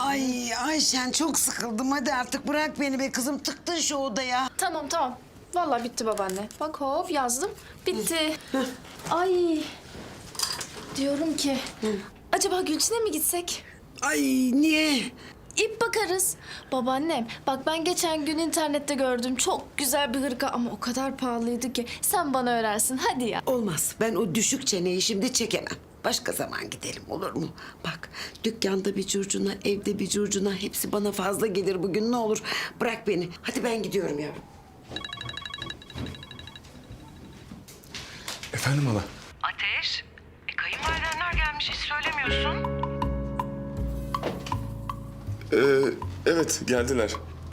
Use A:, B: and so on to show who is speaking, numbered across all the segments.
A: Ay Ayşen çok sıkıldım. Hadi artık bırak beni be kızım. Tıktın şu odaya.
B: Tamam tamam. Vallahi bitti babaanne. Bak hop yazdım. Bitti. Ay. Diyorum ki acaba Gülçin'e mi gitsek?
A: Ay niye?
B: İp bakarız. Babaannem bak ben geçen gün internette gördüm. Çok güzel bir hırka ama o kadar pahalıydı ki. Sen bana örersin hadi ya.
A: Olmaz. Ben o düşük çeneyi şimdi çekemem. Başka zaman gidelim olur mu? Bak dükkanda bir curcuna, evde bir curcuna hepsi bana fazla gelir bugün ne olur. Bırak beni. Hadi ben gidiyorum yavrum.
C: Efendim hala?
D: Ateş, kayınvalidenler gelmiş hiç söylemiyorsun.
C: Evet geldiler.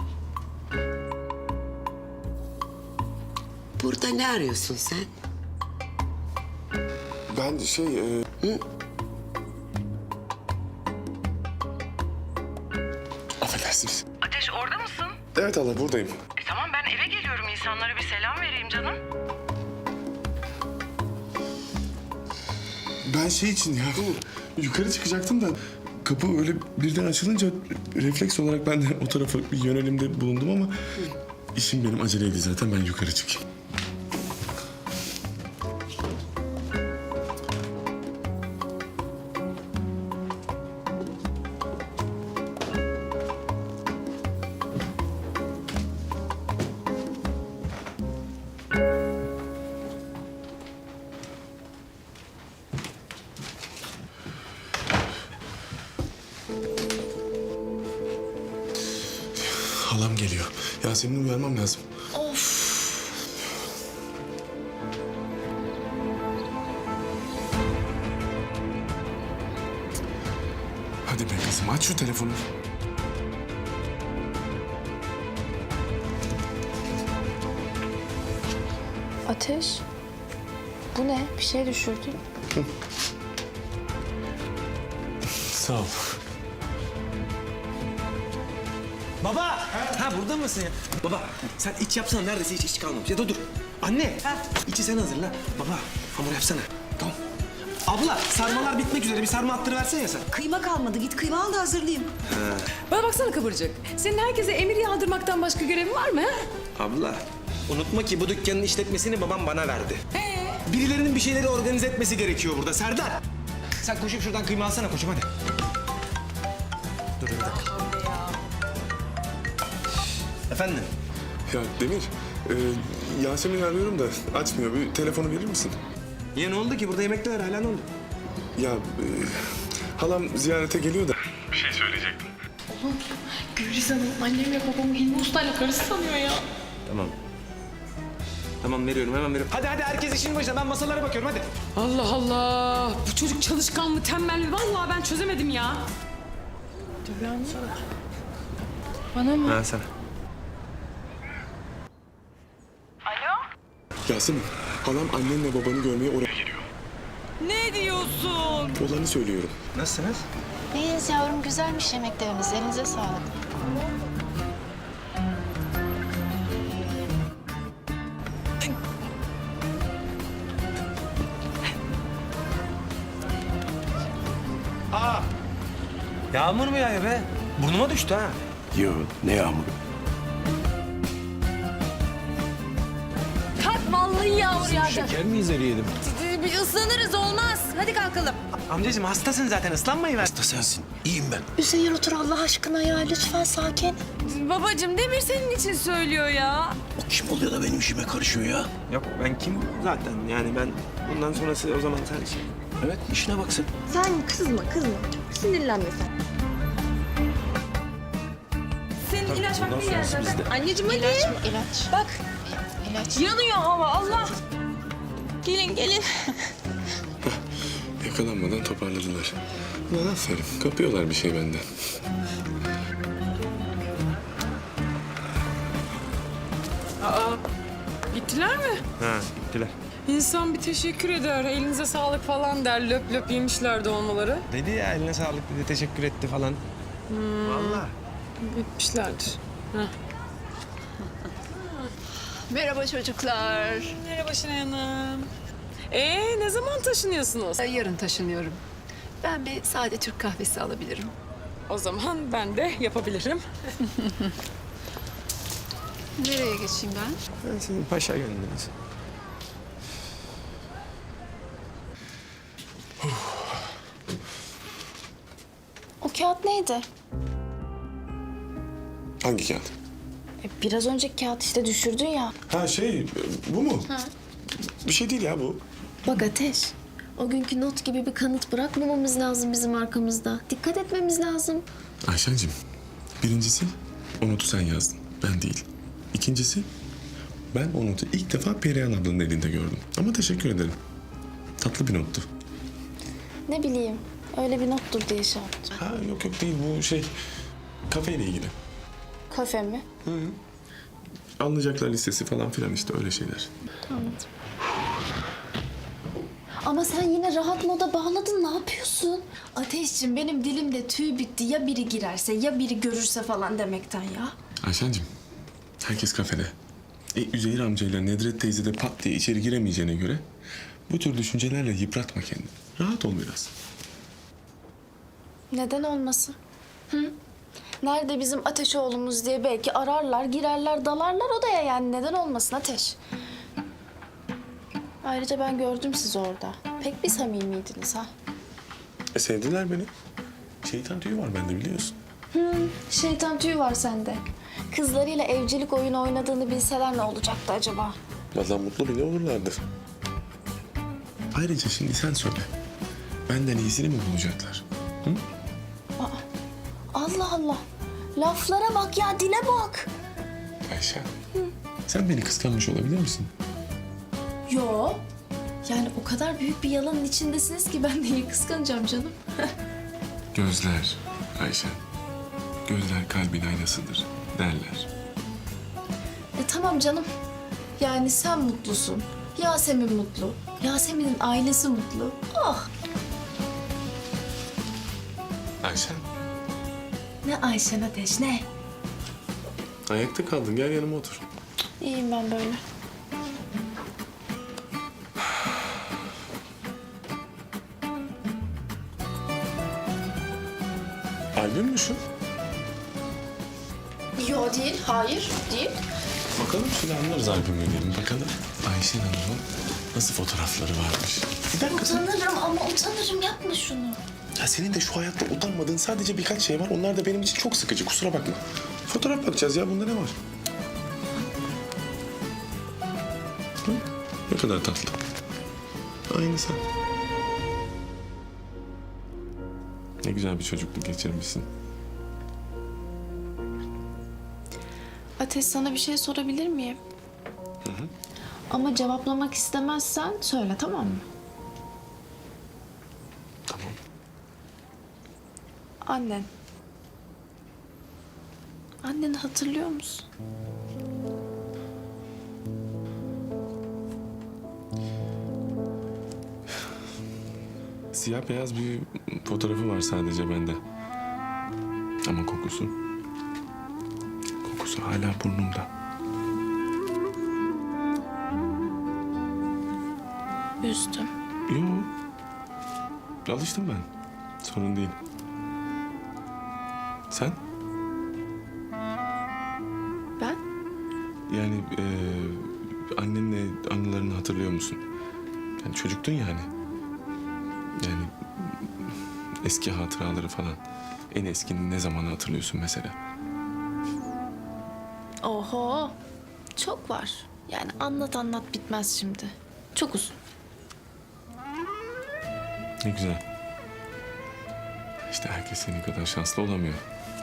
A: Burada ne arıyorsun sen?
C: Ben Affedersiniz.
D: Ateş orada mısın?
C: Evet hala buradayım.
D: Tamam ben eve geliyorum insanlara bir selam vereyim canım.
C: Ben için ya yukarı çıkacaktım da kapı öyle birden açılınca refleks olarak ben de o tarafa bir yönelimde bulundum ama işim benim aceleydi zaten ben yukarı çıkayım. Halam geliyor. Yasemin'i uyarmam lazım. Hadi be kızım aç şu telefonu.
B: Ateş. Bu ne? Bir şey düşürdün.
C: Sağ ol.
E: Baba! Ha burada mısın ya? Baba sen iç yapsana neredeyse hiç iç kalmamış. Ya da dur. Anne! İçi sen hazırla. Baba hamur yapsana. Tamam. Abla sarmalar bitmek üzere bir sarma attırıversene ya sen.
F: Kıyma kalmadı. Git kıyma al da hazırlayayım.
G: Bana baksana Kıvırcık. Senin herkese emir yağdırmaktan başka görevin var mı? Ha?
E: Abla unutma ki bu dükkanın işletmesini babam bana verdi. Birilerinin bir şeyleri organize etmesi gerekiyor burada Serdar. Sen koşup şuradan kıyma alsana koçum hadi. Dur bir dakika. Efendim?
C: Ya Demir, Yasemin'i arıyorum da açmıyor. Bir telefonu verir misin?
E: Ya ne oldu ki? Burada yemekler hala ne oldu?
C: Ya halam ziyarete geliyor da.
G: Gülriz Hanım annemle babamı Hilmi Usta'yla karısı sanıyor ya.
E: Tamam. Tamam veriyorum hemen veriyorum. Hadi herkes işin başına ben masalara bakıyorum hadi.
G: Allah Allah. Bu çocuk çalışkan mı tembel mi? Vallahi ben çözemedim ya. Bana mı?
E: Ha sana.
C: Yasemin, halam annenle babanı görmeye oraya geliyor.
G: Ne diyorsun?
C: Olanı söylüyorum.
E: Nasılsınız?
B: İyiyiz yavrum güzelmiş yemekleriniz. Elinize sağlık.
E: Yağmur mu yağıyor be? Burnuma düştü ha.
H: Yo, ne yağmuru?
G: Kalk vallahi yağmur yağacak.
E: Şeker mi izleyelim?
G: Bir ıslanırız olmaz. Hadi kalkalım.
E: Amcacığım hastasın zaten ıslanmayı ver.
H: Hasta sensin. İyiyim ben.
B: Üzeyir otur Allah aşkına ya. Lütfen sakin.
G: Babacığım Demir senin için söylüyor ya.
H: O kim oluyor da benim işime karışıyor ya?
E: Yok ben kim zaten yani ben bundan sonrası o zaman sen şey.
H: Evet, işine bak sen.
F: Sen kızma. Sinirlenme sen.
G: Senin ilaç vaktin geldi zaten.
F: Anneciğim hadi.
B: İlaç.
F: Bak
B: İlaç.
G: Yanıyor hava Allah. Gelin.
C: Yakalanmadan toparladılar. Ulan aferin, kapıyorlar bir şey benden.
G: Gittiler mi?
E: Ha gittiler.
G: İnsan bir teşekkür eder. Elinize sağlık falan der. Löp löp yemişlerdi olmaları.
E: Dedi ya eline sağlık dedi teşekkür etti falan. Vallahi.
G: Etmişlerdir.
F: merhaba çocuklar.
G: Merhaba Şenay Hanım. Ne zaman taşınıyorsunuz?
F: Yarın taşınıyorum. Ben bir sade Türk kahvesi alabilirim.
G: O zaman ben de yapabilirim.
F: Nereye geçeyim ben?
E: Ben senin paşa göndeririz.
B: O kağıt neydi?
C: Hangi kağıt?
B: Biraz önceki kağıt işte düşürdün ya.
C: Ha bu mu? Bir şey değil ya bu.
I: Bak Ateş, o günkü not gibi bir kanıt bırakmamamız lazım bizim arkamızda. Dikkat etmemiz lazım.
C: Ayşen'cim, birincisi o notu sen yazdın, ben değil. İkincisi, ben o notu ilk defa Perihan ablanın elinde gördüm. Ama teşekkür ederim. Tatlı bir nottu.
B: Ne bileyim, öyle bir nottur diye şey yaptım.
C: Ha yok değil, bu kafeyle ilgili.
B: Kafe mi?
C: Alınacaklar listesi falan filan işte öyle şeyler.
I: Ama sen yine rahat moda bağladın, ne yapıyorsun?
B: Ateşciğim benim dilimde tüy bitti. Ya biri girerse ya biri görürse falan demekten ya.
C: Ayşen'cim, herkes kafede. Üzeyir amcayla Nedret teyze de pat diye içeri giremeyeceğine göre bu tür düşüncelerle yıpratma kendini. Rahat ol biraz.
B: Neden olmasın? Hı? Nerede bizim Ateş oğlumuz diye belki ararlar, girerler, dalarlar odaya yani. Neden olmasın Ateş? Ayrıca ben gördüm sizi orada. Pek bir samimiydiniz ha.
C: Sevdiler beni. Şeytan tüyü var bende biliyorsun.
B: Şeytan tüyü var sende. Kızlarıyla evcilik oyunu oynadığını bilseler ne olacaktı acaba?
C: Vallahi mutlu bile olurlardı. Ayrıca şimdi sen söyle. Benden iyisini mi bulacaklar?
B: Allah Allah. Laflara bak ya, dile bak.
C: Ayşe, sen beni kıskanmış olabilir misin?
B: Yo. Yani o kadar büyük bir yalanın içindesiniz ki ben neyi kıskanacağım canım?
C: Gözler Ayşe. Gözler kalbin aynasıdır derler.
B: Tamam canım. Yani sen mutlusun. Yasemin mutlu. Yasemin'in ailesi mutlu. Oh.
C: Ayşe,
B: Ne Ayşen Ateş ne?
C: ayakta kaldın. Gel yanıma otur.
B: İyiyim ben böyle.
C: Albüm mü şu?
B: Yo değil, hayır değil.
C: Bakalım şöyle anlarız albümü diyelim. Bakalım Ayşe Hanım'ın nasıl fotoğrafları varmış. Bir dakika sen...
B: Utanırım ama utanırım, yapma şunu.
C: Ya senin de şu hayatta utanmadığın sadece birkaç şey var. Onlar da benim için çok sıkıcı. Kusura bakma. Fotoğraf bakacağız ya. Bunda ne var? Hı? Ne kadar tatlı. Aynı sen. Ne güzel bir çocukluk geçirmişsin.
B: Ateş, sana bir şey sorabilir miyim? Ama cevaplamak istemezsen söyle, tamam mı?
C: Tamam.
B: Annen. Anneni hatırlıyor musun?
C: Siyah beyaz bir fotoğrafı var sadece bende. Ama kokusu hala burnumda.
B: Üzdüm.
C: Yok. Alıştım ben. Sorun değil. Sen?
B: Ben?
C: Yani annenle anılarını hatırlıyor musun? Yani çocuktun yani. Yani eski hatıraları falan. En eskinin ne zamanı hatırlıyorsun mesela?
B: Oho. Çok var. Yani anlat bitmez şimdi. Çok uzun.
C: Ne güzel. İşte herkes senin kadar şanslı olamıyor.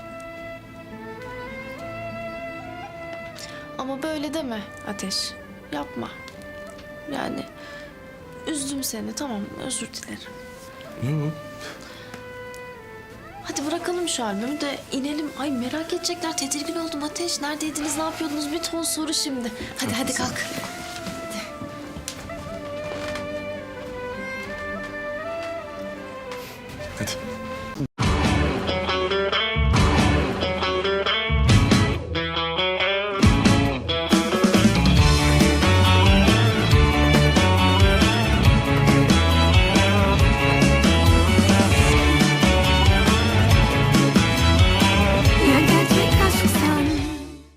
B: Ama böyle deme Ateş. Yapma. Yani üzdüm seni, tamam, özür dilerim.
C: Yok.
B: Hadi bırakalım şu albümü de inelim. Ay merak edecekler, tedirgin oldum Ateş. Neredeydiniz, ne yapıyordunuz? Bir ton soru şimdi. Hadi kalk.